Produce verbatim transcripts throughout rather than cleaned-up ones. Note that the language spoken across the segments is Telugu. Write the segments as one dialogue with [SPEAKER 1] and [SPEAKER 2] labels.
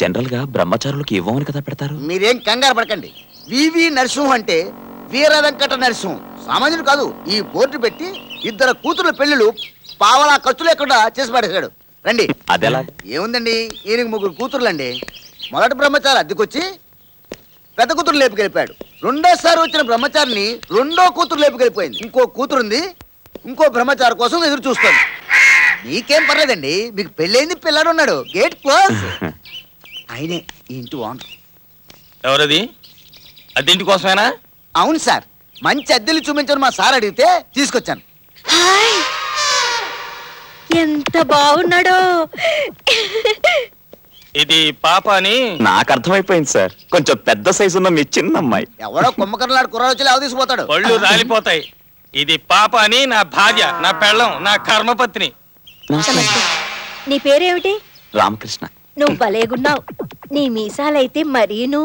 [SPEAKER 1] జనరల్ గా బ్రహ్మచారులకు ఇవ్వమని కదా పెడతారు.
[SPEAKER 2] మీరేం కంగారు పడకండి. వివి నరసింహ అంటే వీర వెంకట నరసింహం సామాన్యుడు కాదు. ఈ బోర్డు పెట్టి ఇద్దరు కూతుర్ల పెళ్లిళ్ళు పావలా ఖర్చు లేకుండా చేసి పడేశాడు. రండి.
[SPEAKER 1] అదెలా?
[SPEAKER 2] ఏముందండి, ఈయనకి ముగ్గురు కూతుర్లండి. మొదటి బ్రహ్మచారి అద్దెకొచ్చి పెద్ద కూతురు లేపుకెళ్ళిపోయాడు. రెండోసారి వచ్చిన బ్రహ్మచారిని రెండో కూతురు లేపుకెళ్ళిపోయింది. ఇంకో కూతురుంది, ఇంకో బ్రహ్మచారి కోసం ఎదురు చూస్తుంది. మీకేం పర్లేదండి, మీకు పెళ్ళైంది, పిల్లాడు ఉన్నాడు. Gate close. ఆయనే ఈ ఇంటి ఓనర్.
[SPEAKER 3] ఎవరది? అద్దెంటి కోసమేనా?
[SPEAKER 2] అవును సార్, మంచి అద్దెలు చూపించని మా సార్ అడిగితే తీసుకొచ్చాను.
[SPEAKER 4] హాయ్, ఎంత బాగున్నాడో.
[SPEAKER 3] ఇది పాప అని
[SPEAKER 1] నాకు అర్థమైపోయింది సార్. కొంచెం పెద్ద సైజు ఉన్న మీ చిన్న అమ్మాయి.
[SPEAKER 2] ఎవడో కుమ్మకర్లాడు కుర్రాడు వచ్చి లేవ తీసుకుపోతాడు.
[SPEAKER 3] పళ్ళు రాలిపోతాయి. ఇది పాప అని నా భార్య, నా పెళ్ళం, నా కర్మపత్ని.
[SPEAKER 4] నీ పేరేమిటి?
[SPEAKER 1] రామకృష్ణ.
[SPEAKER 4] నువ్వు భలేగున్నావు. నీ మీసాలైతే మరీను.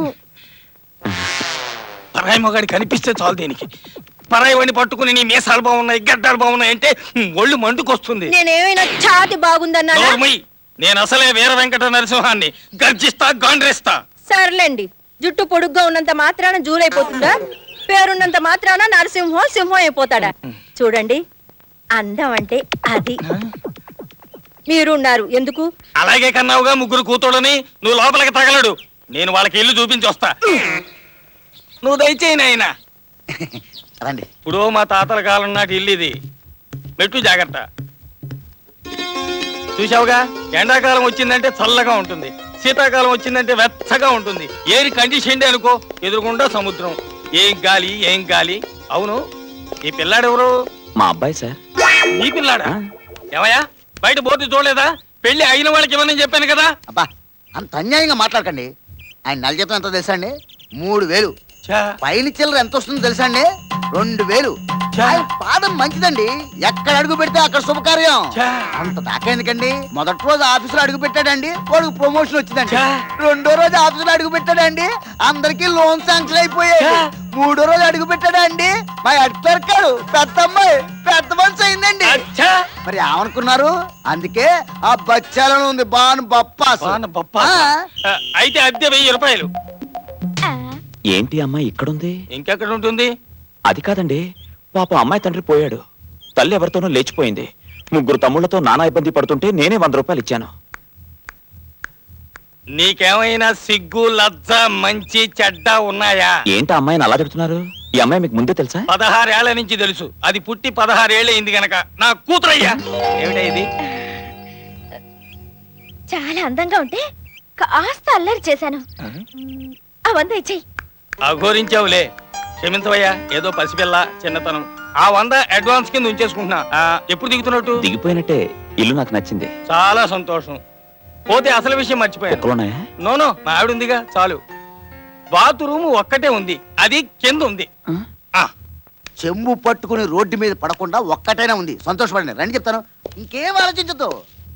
[SPEAKER 3] పరాయి మొగాడి కనిపిస్తే చాలు దీనికి. పరాయి వాడిని పట్టుకుని నీ మీసాలు బాగున్నాయి, గడ్డాలు బాగున్నాయి అంటే ఒళ్ళు మండుకొస్తుంది.
[SPEAKER 4] నేనేమైనా ఛాతి బాగుందన్నా?
[SPEAKER 3] నేను అసలే వీర వెంకట నరసింహాన్ని. గర్జిస్తా, గాండ్రేస్తా.
[SPEAKER 4] సర్లేండి, జుట్టు పొడుగ్గా ఉన్నంత మాత్రాన జూలైపోతుందా? పేరున్నంత మాత్రాన నరసింహం సింహం అయిపోతాడా? చూడండి, అందం అంటే అది. మీరున్నారు ఎందుకు?
[SPEAKER 3] అలాగే కన్నావుగా ముగ్గురు కూతుడని. నువ్వు లోపలికి తగలడు, నేను వాళ్ళకి ఇల్లు చూపించి వస్తా. నువ్వు దయచేయి నాయనా.
[SPEAKER 2] రండి.
[SPEAKER 3] ఇప్పుడు మా తాతల కాలం నాటి ఇల్లు ఇది. మెట్టు జాగ్రత్త. చూసావుగా, ఎండాకాలం వచ్చిందంటే చల్లగా ఉంటుంది, శీతాకాలం వచ్చిందంటే వెచ్చగా ఉంటుంది. ఏరి కండిషన్ అనుకో, ఎదురుకుండా సముద్రం. ఏం గాలి, ఏం గాలి. అవును, ఈ పిల్లాడెవరు?
[SPEAKER 1] మా అబ్బాయి సార్.
[SPEAKER 3] నీ పిల్లాడా? ఏమయ్యా, బయట బోర్డు చూడలేదా? పెళ్లి అయిన వాళ్ళకి ఇవ్వనని చెప్పాను కదా.
[SPEAKER 2] అబ్బా, అంత అన్యాయంగా మాట్లాడకండి. ఆయన నెల జీతం ఎంత తెలుసా అండి? మూడు వేలు. పైన చిల్లర ఎంత వస్తుందో తెలుసా అండి? రెండు వేలు. ఆయన పాదం మంచిదండి, ఎక్కడ అడుగు పెడితే అక్కడ శుభకార్యం. అంత దాకా ఎందుకండి? మొదటి రోజు ఆఫీసులో అడుగు పెట్టాడండి, వాడికి ప్రమోషన్ వచ్చిందండి. రెండో రోజు ఆఫీసులో అడుగు పెట్టాడండి, అందరికి లోన్ శాంక్షన్ అయిపోయాయి. మూడో రోజు అడుగు పెట్టాడండి, మా హెడ్ క్లర్క్ గారు పెద్ద అమ్మాయి పెద్ద మనిషి అయిందండి. మరి ఏమనుకున్నారు? అందుకే ఆ బచ్చాలను ఉంది బాను బప్పాస్.
[SPEAKER 3] అయితే అద్దె వెయ్యి రూపాయలు.
[SPEAKER 1] ఏంటి అమ్మాయి ఇక్కడుంది?
[SPEAKER 3] ఇంకెక్కడ ఉంటుంది?
[SPEAKER 1] అది కాదండి, పాప అమ్మాయి తండ్రి పోయాడు, తల్లి ఎవరితోనో లేచిపోయింది. ముగ్గురు తమ్ముళ్లతో నానా ఇబ్బంది పడుతుంటే నేనే వంద రూపాయలు ఇచ్చాను.
[SPEAKER 3] నీకేమైనా సిగ్గు, లజ్జ, మంచి చెడ్డ ఉన్నాయా?
[SPEAKER 1] ఏంటి అమ్మాయిని అలా తిడుతున్నారు? ఈ అమ్మాయి మీకు ముందే తెలుసా?
[SPEAKER 3] పదహారేళ్ల నుంచి తెలుసు. అది పుట్టి పదహారేళ్ల అయింది గనక నా కూతురయ్యా. ఏమిటా ఇది?
[SPEAKER 4] చాలా అందంగా ఉంటే కాస్త అల్లరి చేశాను. ఆ వంద ఇచ్చేయి.
[SPEAKER 3] అఘోరించావులే, క్షమించవయ్యా. ఏదో పసిపిల్ల, చిన్నతనం. ఆ వంద అడ్వాన్స్ కింద ఉంచేసుకుంటున్నా. ఎప్పుడు దిగుతున్నట్టు?
[SPEAKER 1] దిగిపోయినట్టే. ఇల్లు నాకు నచ్చింది.
[SPEAKER 3] చాలా సంతోషం. పోతే అసలు విషయం మర్చిపోయాను. నోనో, మా ఆవిడ ఉందిగా, చాలు. బాత్రూమ్ ఒక్కటే ఉంది, అది కింద ఉంది.
[SPEAKER 2] చెంబు పట్టుకుని రోడ్డు మీద పడకుండా ఒక్కటైనా ఉంది. సంతోషపడండి. రండి చెప్తాను, ఇంకేం ఆలోచించదు.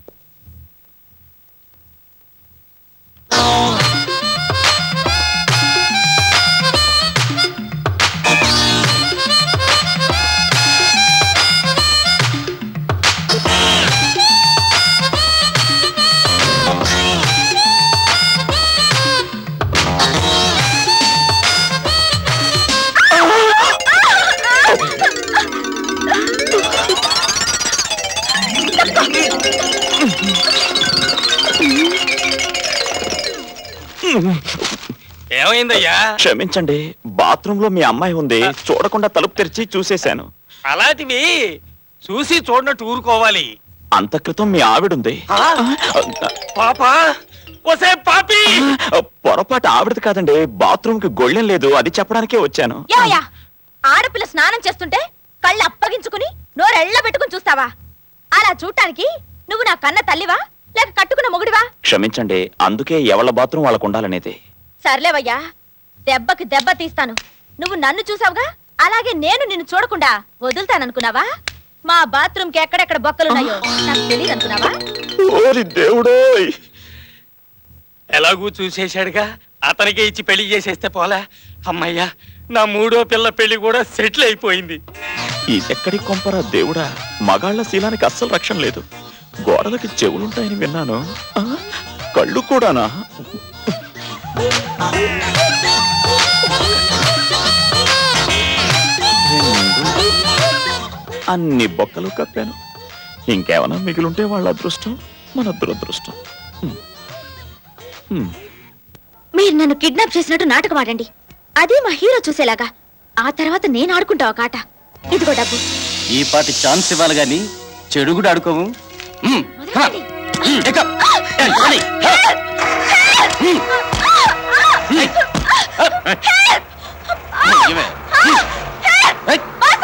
[SPEAKER 3] ఏమైందయ్యా?
[SPEAKER 1] క్షమించండి, బాత్రూమ్ లో మీ అమ్మాయి ఉంది, చూడకుండా తలుపు తెరిచి చూసేశాను.
[SPEAKER 3] అలాంటివి చూసి చూడనట్టు ఊరుకోవాలి.
[SPEAKER 1] అంత క్రితం మీ ఆవిడుంది.
[SPEAKER 3] పాపా, ఒసే పాపి!
[SPEAKER 1] పొరపాటు ఆవిడది కాదండి, బాత్రూమ్ కి గొళ్ళెం లేదు, అది చెప్పడానికే వచ్చాను.
[SPEAKER 4] ఆడపిల్ల స్నానం చేస్తుంటే కళ్ళు అప్పగించుకుని నోరెళ్ళ పెట్టుకుని చూస్తావా? అలా చూడటానికి నువ్వు నా కన్న తల్లివా లేక కట్టుకున్న మొగుడివా?
[SPEAKER 1] క్షమించండి, అందుకే ఎవళ్ళ బాత్రూమ్ వాళ్ళకు ఉండాలనేది.
[SPEAKER 4] సర్లేవయ్యా, దెబ్బకి దెబ్బ తీస్తాను. నువ్వు నన్ను చూసావుగా, అలాగే నేను నిన్ను చూడకుండా వదులుతాననుకున్నావా? మా బాత్రూమ్ కి ఎక్కడెక్కడ బొక్కలున్నాయో నాకు తెలియదు అనుకున్నావా?
[SPEAKER 1] దేవుడోయ్,
[SPEAKER 3] ఎలాగూ చూసేశాడుగా, అతనికే ఇచ్చి పెళ్లి చేసేస్తే పోలా. అమ్మయ్యా, నా మూడో పిల్ల పెళ్లి కూడా సెటిల్ అయిపోయింది.
[SPEAKER 1] ఇదెక్కడి కొంపరా దేవుడా, మగాళ్ల శీలానికి అస్సలు రక్షణ లేదు. గోడలకి చెవులుంటాయని విన్నాను, కళ్ళు కూడానా? అన్ని బొక్కలు కప్పాను. ఇంకేమైనా మిగిలింటే వాళ్ళ అదృష్టం, మన దురదృష్టం. హ్మ్. హ్మ్.
[SPEAKER 4] మీరు నన్ను కిడ్నాప్ చేసినట్టు నాటకం ఆడండి, అదే మా హీరో చూసేలాగా. ఆ తర్వాత నేను ఆడుకుంటా ఒక ఆట. ఇదిగో డబ్బు.
[SPEAKER 5] ఈ పాటి ఛాన్స్ ఇవ్వాలి గాని చెడు కూడా ఆడుకోము. మ్మ్. హా. మ్మ్. ఎక్క. ఏ, పోనీ. హా. మ్మ్. మ్మ్. హా. ఇవే. మ్మ్. ఏయ్.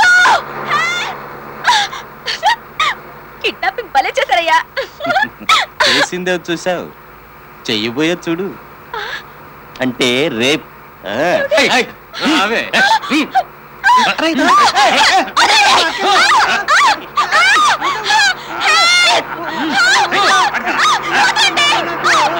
[SPEAKER 4] కిడ్నాపింగ్ భలే చేశారయ్యా.
[SPEAKER 5] చేసిందే చూసావు, చెయ్యబోయే చూడు. అంటే రేప్. ఆ. ఏయ్, ఏయ్. రావే. మ్మ్.